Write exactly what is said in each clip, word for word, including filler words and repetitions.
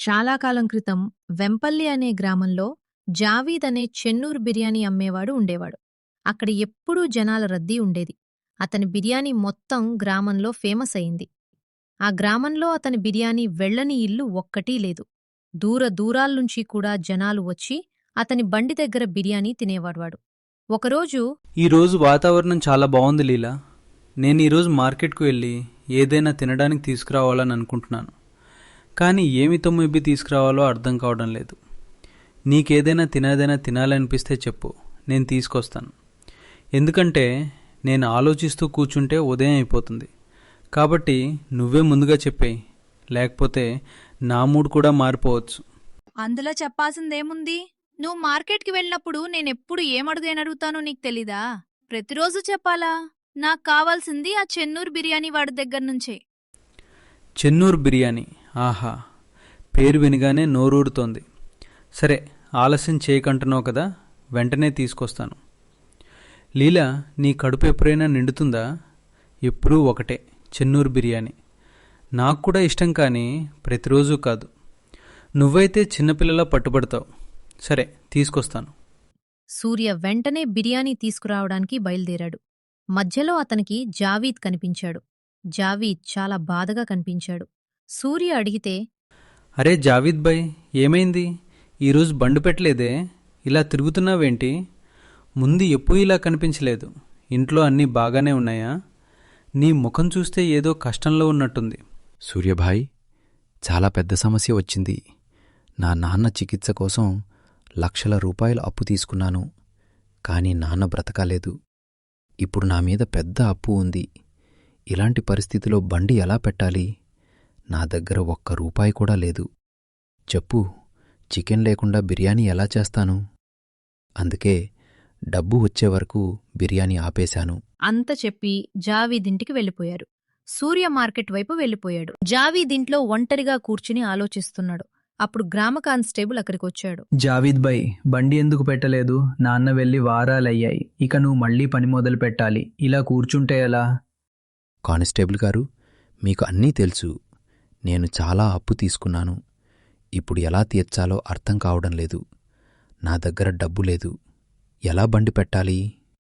చాలా కాలం క్రితం వెంపల్లి అనే గ్రామంలో జావీద్ అనే చెన్నూరు బిర్యానీ అమ్మేవాడు ఉండేవాడు. అక్కడ ఎప్పుడూ జనాల రద్దీ ఉండేది. అతని బిర్యానీ మొత్తం గ్రామంలో ఫేమస్ అయింది. ఆ గ్రామంలో అతని బిర్యానీ వెళ్ళని ఇల్లు ఒక్కటీ లేదు. దూర దూరాల్నుంచి కూడా జనాలు వచ్చి అతని బండి దగ్గర బిర్యానీ తినేవాడ్వాడు. ఒకరోజు ఈరోజు వాతావరణం చాలా బాగుంది లీలా. నేను ఈరోజు మార్కెట్కు వెళ్ళి ఏదైనా తినడానికి తీసుకురావాలని అనుకుంటున్నాను. కానీ ఏమి తొమ్మిది తీసుకురావాలో అర్థం కావడం లేదు. నీకేదైనా తినేదైనా తినాలనిపిస్తే చెప్పు, నేను తీసుకొస్తాను. ఎందుకంటే నేను ఆలోచిస్తూ కూర్చుంటే ఉదయం అయిపోతుంది. కాబట్టి నువ్వే ముందుగా చెప్పేయి, లేకపోతే నా మూడ్ కూడా మారిపోవచ్చు. అందులో చెప్పాల్సిందేముంది? నువ్వు మార్కెట్కి వెళ్ళినప్పుడు నేనెప్పుడు ఏమడుగేనడుగుతానో నీకు తెలీదా? ప్రతిరోజు చెప్పాలా? నాకు కావాల్సింది ఆ చెన్నూరు బిర్యానీ వాడి దగ్గర్నుంచే. చెన్నూరు బిర్యానీ, ఆహా, పేరు వినగానే నోరూరుతోంది. సరే, ఆలస్యం చేయకంటున్నావు కదా, వెంటనే తీసుకొస్తాను. లీలా, నీ కడుపు ఎప్పుడైనా నిండుతుందా? ఎప్పుడూ ఒకటే, చెన్నూరు బిర్యానీ. నాకు కూడా ఇష్టం, కానీ ప్రతిరోజు కాదు. నువ్వైతే చిన్నపిల్లలా పట్టుబడతావు. సరే, తీసుకొస్తాను. సూర్య వెంటనే బిర్యానీ తీసుకురావడానికి బయలుదేరాడు. మధ్యలో అతనికి జావీద్ కనిపించాడు. జావీద్ చాలా బాధగా కనిపించాడు. సూర్య అడిగితే, అరే జావీద్ భాయ్, ఏమైంది? ఈరోజు బండి పెట్టలేదే, ఇలా తిరుగుతున్నావేంటి? ముందు ఎప్పుడూ ఇలా కనిపించలేదు. ఇంట్లో అన్నీ బాగానే ఉన్నాయా? నీ ముఖం చూస్తే ఏదో కష్టంలో ఉన్నట్టుంది. సూర్యభాయ్, చాలా పెద్ద సమస్య వచ్చింది. నా నాన్న చికిత్స కోసం లక్షల రూపాయలు అప్పు తీసుకున్నాను. కానీ నాన్న బ్రతకాలేదు. ఇప్పుడు నా మీద పెద్ద అప్పు ఉంది. ఇలాంటి పరిస్థితిలో బండి ఎలా పెట్టాలి? నా దగ్గర ఒక్క రూపాయి కూడా లేదు. చెప్పు, చికెన్ లేకుండా బిర్యానీ ఎలా చేస్తాను? అందుకే డబ్బు వచ్చే వరకు బిర్యానీ ఆపేశాను. అంత చెప్పి జావీదింటికి వెళ్ళిపోయారు. సూర్య మార్కెట్ వైపు వెళ్ళిపోయాడు. జావీదింట్లో ఒంటరిగా కూర్చుని ఆలోచిస్తున్నాడు. అప్పుడు గ్రామ కానిస్టేబుల్ అక్కడికొచ్చాడు. జావీద్ భాయ్, బండి ఎందుకు పెట్టలేదు? నాన్న వెళ్ళి వారాలయ్యాయి. ఇక నువ్వు మళ్ళీ పని మొదలు పెట్టాలి. ఇలా కూర్చుంటే ఎలా? కానిస్టేబుల్ గారు, మీకు అన్నీ తెలుసు. నేను చాలా అప్పు తీసుకున్నాను. ఇప్పుడు ఎలా తీర్చాలో అర్థం కావడం లేదు. నా దగ్గర డబ్బు లేదు. ఎలా బండి పెట్టాలి?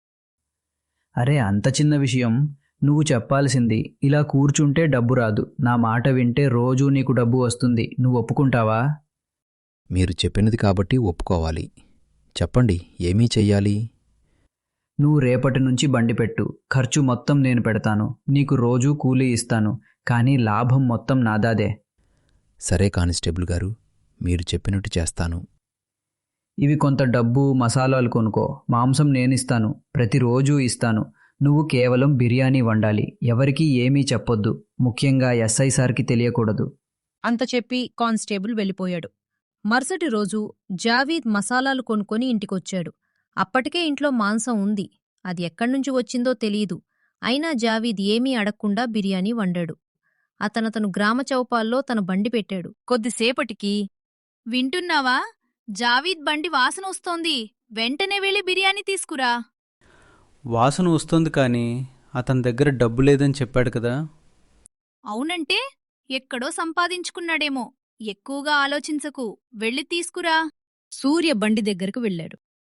అరే, అంత చిన్న విషయం నువ్వు చెప్పాల్సింది. ఇలా కూర్చుంటే డబ్బు రాదు. నా మాట వింటే రోజూ నీకు డబ్బు వస్తుంది. నువ్వు ఒప్పుకుంటావా? మీరు చెప్పినది కాబట్టి ఒప్పుకోవాలి. చెప్పండి, ఏమీ చెయ్యాలి? నువ్వు రేపటి నుంచి బండి పెట్టు. ఖర్చు మొత్తం నేను పెడతాను. నీకు రోజూ కూలీ ఇస్తాను. కానీ లాభం మొత్తం నాదాదే. సరే కానిస్టేబుల్ గారు, మీరు చెప్పినట్టు చేస్తాను. ఇవి కొంత డబ్బు, మసాలాలు కొనుక్కో. మాంసం నేనిస్తాను. ప్రతిరోజూ ఇస్తాను. నువ్వు కేవలం బిర్యానీ వండాలి. ఎవరికీ ఏమీ చెప్పొద్దు. ముఖ్యంగా ఎస్ఐ సార్కి తెలియకూడదు. అంత చెప్పి కానిస్టేబుల్ వెళ్ళిపోయాడు. మరుసటి రోజు జావీద్ మసాలాలు కొనుక్కొని ఇంటికొచ్చాడు. అప్పటికే ఇంట్లో మాంసం ఉంది. అది ఎక్కడ్నుంచి వచ్చిందో తెలీదు. అయినా జావీద్ ఏమీ అడక్కుండా బిర్యానీ వండాడు. అతనతను గ్రామ చౌపాల్లో తన బండి పెట్టాడు. కొద్దిసేపటికి, వింటున్నావా? జావీద్ బండి వాసన వస్తోంది. వెంటనే వెళ్ళి బిర్యానీ తీసుకురా. వాసన వస్తుంది, కానీ అతని దగ్గర డబ్బు లేదని చెప్పాడు కదా. అవునంటే ఎక్కడో సంపాదించుకున్నాడేమో. ఎక్కువగా ఆలోచించకు, వెళ్ళి తీసుకురా. సూర్య బండి దగ్గరకు వెళ్ళాడు.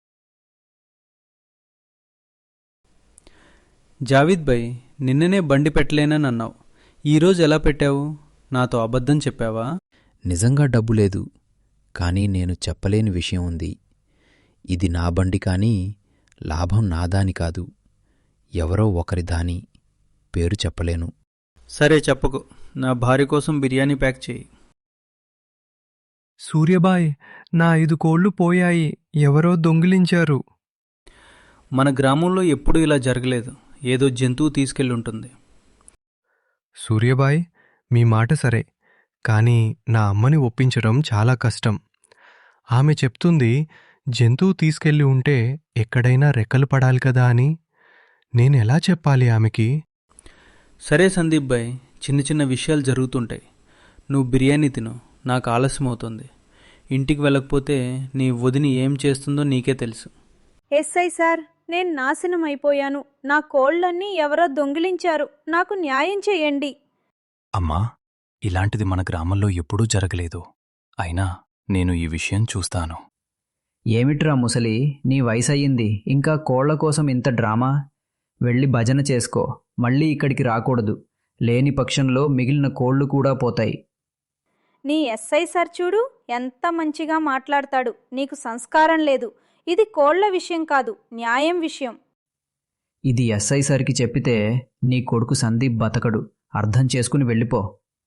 జావీద్ భాయ్, నిన్ననే బండి పెట్టలేనని అన్నావు. ఈరోజు ఎలా పెట్టావు? నాతో అబద్ధం చెప్పావా? నిజంగా డబ్బు లేదు. కానీ నేను చెప్పలేని విషయం ఉంది. ఇది నా బండి, కానీ లాభం నాదాని కాదు, ఎవరో ఒకరి దాని. పేరు చెప్పలేను. సరే, చెప్పకు. నా భార్య కోసం బిర్యానీ ప్యాక్ చేయి. సూర్యబాయ్, నా ఐదు కోళ్లు పోయాయి. ఎవరో దొంగిలించారు. మన గ్రామంలో ఎప్పుడూ ఇలా జరగలేదు. ఏదో జంతువు తీసుకెళ్ళుంటుంది. సూర్యబాయ్, మీ మాట సరే, కానీ నా అమ్మని ఒప్పించడం చాలా కష్టం. ఆమె చెప్తుంది జంతువు తీసుకెళ్ళి ఉంటే ఎక్కడైనా రెక్కలు పడాలి కదా అని. నేనెలా చెప్పాలి ఆమెకి? సరే సందీప్ భాయ్, చిన్న చిన్న విషయాలు జరుగుతుంటాయి. నువ్వు బిర్యానీ తిను, నాకు ఆలస్యం అవుతుంది. ఇంటికి వెళ్ళకపోతే నీ వదిని ఏం చేస్తుందో నీకే తెలుసు. ఎస్ఐ సార్, నేను నాశనం అయిపోయాను. నా కోళ్లన్నీ ఎవరో దొంగిలించారు. నాకు న్యాయం చెయ్యండి. అమ్మా, ఇలాంటిది మన గ్రామంలో ఎప్పుడూ జరగలేదు. అయినా నేను ఈ విషయం చూస్తాను. ఏమిట్రా ముసలి, నీ వయసయ్యింది, ఇంకా కోళ్ల కోసం ఇంత డ్రామా? వెళ్ళి భజన చేసుకో, మళ్ళీ ఇక్కడికి రాకూడదు. లేని పక్షంలో మిగిలిన కోళ్లు కూడా పోతాయి. నీ ఎస్ఐ సార్ చూడు, ఎంత మంచిగా మాట్లాడతాడు. నీకు సంస్కారం లేదు. ఇది కోళ్ల విషయం కాదు, న్యాయం విషయం. ఇది ఎస్ఐ సార్కి చెప్పితే నీ కొడుకు సందీప్ బతకడు. అర్థం చేసుకుని వెళ్ళిపో.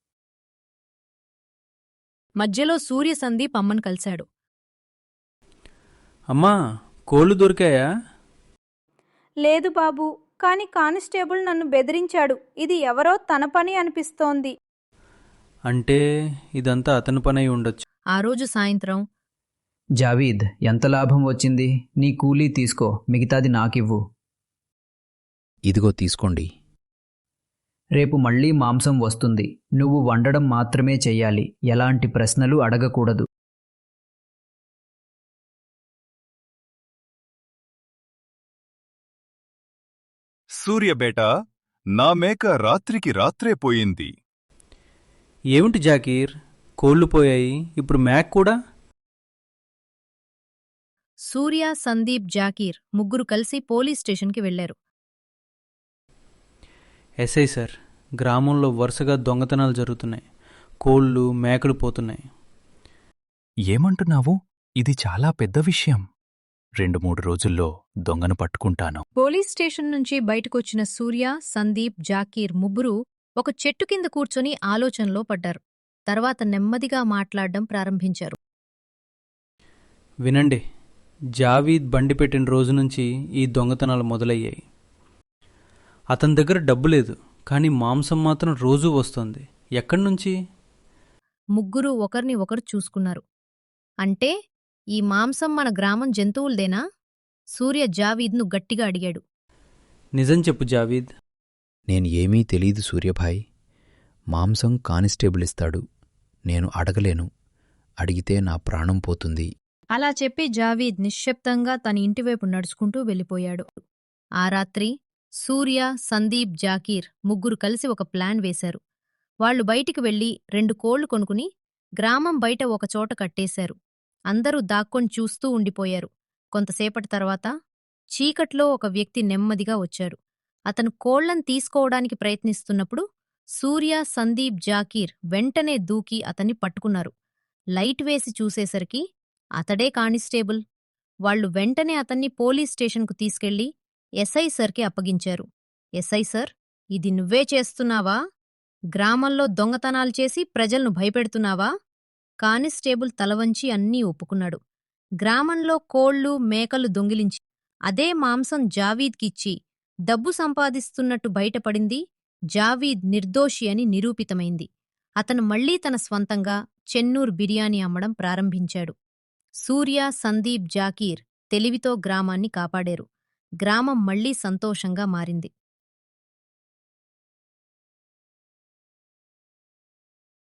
మధ్యలో సూర్య సందీప్ అమ్మను కలిశాడు. అమ్మా, కోళ్ళు దొరికాయా? లేదు బాబూ, కానీ కానిస్టేబుల్ నన్ను బెదిరించాడు. ఇది ఎవరో తన పని అనిపిస్తోంది. అంటే ఇదంతా అతని పని అయి ఉండొచ్చు. ఆ రోజు సాయంత్రం జావీద్, ఎంత లాభం వచ్చింది? నీ కూలీ తీసుకో, మిగతాది నాకివ్వు. ఇదిగో తీసుకోండి. రేపు మళ్ళీ మాంసం వస్తుంది. నువ్వు వండడం మాత్రమే చెయ్యాలి. ఎలాంటి ప్రశ్నలు అడగకూడదు. సూర్యబేటా, నా మేక రాత్రికి రాత్రే పోయింది. ఏమిటి జాకీర్, కోళ్ళు పోయాయి, ఇప్పుడు మ్యాక్ కూడా? సూర్య, సందీప్, జాకీర్ ముగ్గురు కలిసి పోలీస్ స్టేషన్కి వెళ్లారు. ఎస్ఐ సార్, గ్రామంలో వరుసగా దొంగతనాలు జరుగుతున్నాయి. కోళ్ళు, మేకలు పోతున్నాయి. ఏమంటున్నావు? ఇది చాలా పెద్ద విషయం. రెండు మూడు రోజుల్లో దొంగను పట్టుకుంటాను. పోలీస్ స్టేషన్ నుంచి బయటకొచ్చిన సూర్య, సందీప్, జాకీర్ ముగ్గురు ఒక చెట్టు కింద కూర్చొని ఆలోచనలో పడ్డారు. తర్వాత నెమ్మదిగా మాట్లాడడం ప్రారంభించారు. వినండి, జావీద్ బండి పెట్టిన రోజు నుంచి ఈ దొంగతనాలు మొదలయ్యాయి. అతని దగ్గర డబ్బు లేదు, కానీ మాంసం మాత్రం రోజూ వస్తోంది. ఎక్కడి నుంచి? ముగ్గురు ఒకరిని ఒకరు చూసుకున్నారు. అంటే ఈ మాంసం మన గ్రామం జంతువులదేనా? సూర్య జావీద్ను గట్టిగా అడిగాడు. నిజం చెప్పు జావీద్. నేను ఏమీ తెలీదు సూర్యభాయ్. మాంసం కానిస్టేబుల్ ఇస్తాడు. నేను అడగలేను. అడిగితే నా ప్రాణం పోతుంది. అలా చెప్పి జావీద్ నిశ్శబ్దంగా తన ఇంటివైపు నడుచుకుంటూ వెళ్ళిపోయాడు. ఆ రాత్రి సూర్య, సందీప్, జాకీర్ ముగ్గురు కలిసి ఒక ప్లాన్ వేశారు. వాళ్లు బయటికి వెళ్లి రెండు కోళ్లు కొనుక్కుని గ్రామం బయట ఒకచోట కట్టేశారు. అందరూ దాక్కొని చూస్తూ ఉండిపోయారు. కొంతసేపటి తర్వాత చీకట్లో ఒక వ్యక్తి నెమ్మదిగా వచ్చాడు. అతను కోళ్లను తీసుకోవడానికి ప్రయత్నిస్తున్నప్పుడు సూర్య, సందీప్, జాకీర్ వెంటనే దూకి అతన్ని పట్టుకున్నారు. లైట్ వేసి చూసేసరికి అతడే కానిస్టేబుల్. వాళ్లు వెంటనే అతన్ని పోలీస్ స్టేషన్కు తీసుకెళ్లి ఎస్ఐ సర్కి అప్పగించారు. ఎస్ఐ సర్, ఇది నువ్వే చేస్తున్నావా? గ్రామంలో దొంగతనాలు చేసి ప్రజలను భయపెడుతున్నావా? కానిస్టేబుల్ తలవంచి అన్నీ ఒప్పుకున్నాడు. గ్రామంలో కోళ్లు, మేకలు దొంగిలించి అదే మాంసం జావీద్కిచ్చి డబ్బు సంపాదిస్తున్నట్టు బయటపడింది. జావీద్ నిర్దోషి అని నిరూపితమైంది. అతను మళ్లీ తన స్వంతంగా చెన్నూర్ బిర్యానీ అమ్మడం ప్రారంభించాడు. సూర్య, సందీప్, జాకీర్ తెలివితో గ్రామాన్ని కాపాడారు. గ్రామం మళ్లీ సంతోషంగా మారింది.